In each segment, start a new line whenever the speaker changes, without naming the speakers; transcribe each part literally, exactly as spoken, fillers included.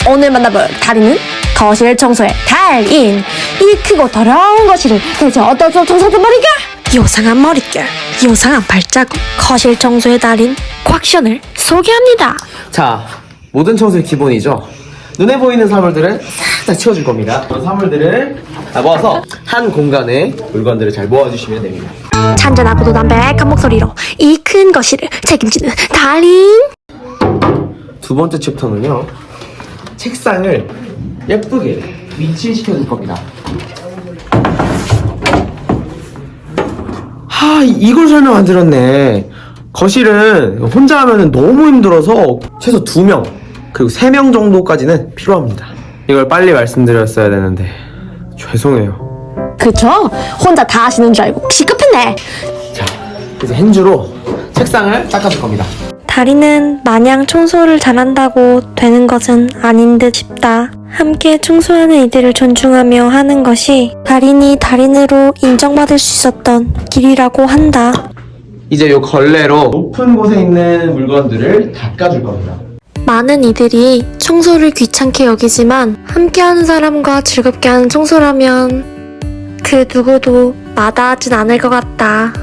오늘 만나볼 달인은 거실 청소의 달인. 이 크고 더러운 거실을 대체 어떤 청소든 말이가? 요상한 머릿결, 요상한 발자국, 거실 청소의 달인 곽션을 소개합니다.
자, 모든 청소의 기본이죠. 눈에 보이는 사물들은 싹 다 치워줄 겁니다. 그런 사물들을 다 모아서 한 공간에 물건들을 잘 모아주시면 됩니다.
잔잔하고도 담백한 목소리로 이 큰 거실을 책임지는 달인.
두 번째 챕터는요, 책상을 예쁘게 위치시켜줄 겁니다. 하, 이걸 설명 안 드렸네. 거실은 혼자 하면 너무 힘들어서 최소 두 명, 그리고 세 명 정도까지는 필요합니다. 이걸 빨리 말씀드렸어야 되는데 죄송해요.
그쵸? 혼자 다 하시는 줄 알고 시급했네.
자, 이제 핸즈로 책상을 닦아줄 겁니다.
달인은 마냥 청소를 잘한다고 되는 것은 아닌 듯 싶다. 함께 청소하는 이들을 존중하며 하는 것이 달인이 달인으로 인정받을 수 있었던 길이라고 한다.
이제 요 걸레로 높은 곳에 있는 물건들을 닦아줄 겁니다.
많은 이들이 청소를 귀찮게 여기지만 함께하는 사람과 즐겁게 하는 청소라면 그 누구도 마다하진 않을 것 같다.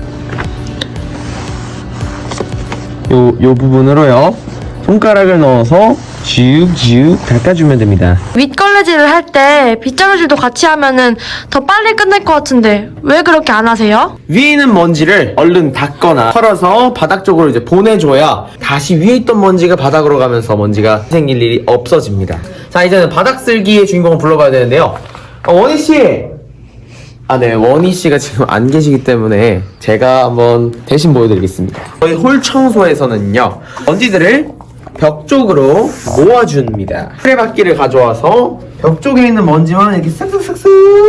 요, 요 부분으로요, 손가락을 넣어서 지욱지욱 닦아주면 됩니다.
윗걸레질을 할 때 빗자루질도 같이 하면은 더 빨리 끝날 것 같은데 왜 그렇게 안 하세요?
위에 있는 먼지를 얼른 닦거나 털어서 바닥 쪽으로 이제 보내줘야 다시 위에 있던 먼지가 바닥으로 가면서 먼지가 생길 일이 없어집니다. 자, 이제는 바닥 쓸기의 주인공을 불러봐야 되는데요. 어, 원희씨! 아, 네, 원희씨가 지금 안 계시기 때문에 제가 한번 대신 보여드리겠습니다. 저희 홀 청소에서는요, 먼지들을 벽 쪽으로 모아줍니다. 수레바퀴를 가져와서 벽 쪽에 있는 먼지만 이렇게 싹싹싹싹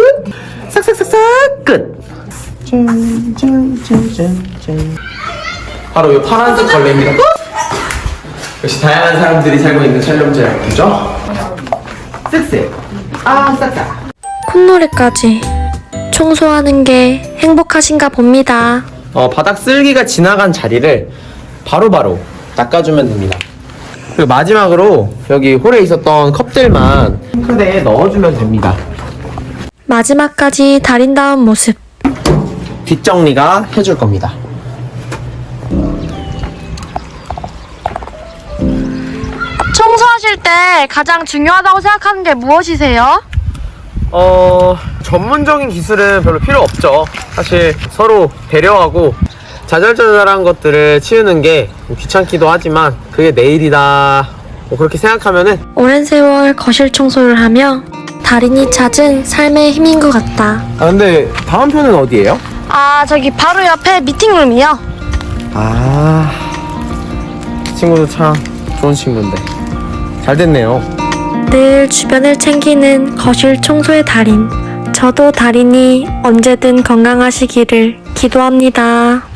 싹싹싹싹 끝. 짠짠짠짠짠. 바로 이 파란색 걸레입니다. 역시 다양한 사람들이 살고 있는 촬영지라고죠. 쓱쓱. 아, 싹싹.
콧노래까지 청소하는 게 행복하신가 봅니다.
어, 바닥 쓸기가 지나간 자리를 바로바로 바로 닦아주면 됩니다. 그리고 마지막으로 여기 홀에 있었던 컵들만 싱크대에 넣어주면 됩니다.
마지막까지 달인다운 모습.
뒷정리가 해줄 겁니다.
청소하실 때 가장 중요하다고 생각하는 게 무엇이세요?
어... 전문적인 기술은 별로 필요 없죠. 사실 서로 배려하고 자잘자잘한 것들을 치우는 게 귀찮기도 하지만 그게 내일이다, 뭐 그렇게 생각하면은
오랜 세월 거실 청소를 하며 달인이 찾은 삶의 힘인 것 같다.
아, 근데 다음 편은 어디예요?
아 저기 바로 옆에 미팅룸이요.
아... 이 친구도 참 좋은 친구인데 잘 됐네요.
늘 주변을 챙기는 거실 청소의 달인. 저도 달인이 언제든 건강하시기를 기도합니다.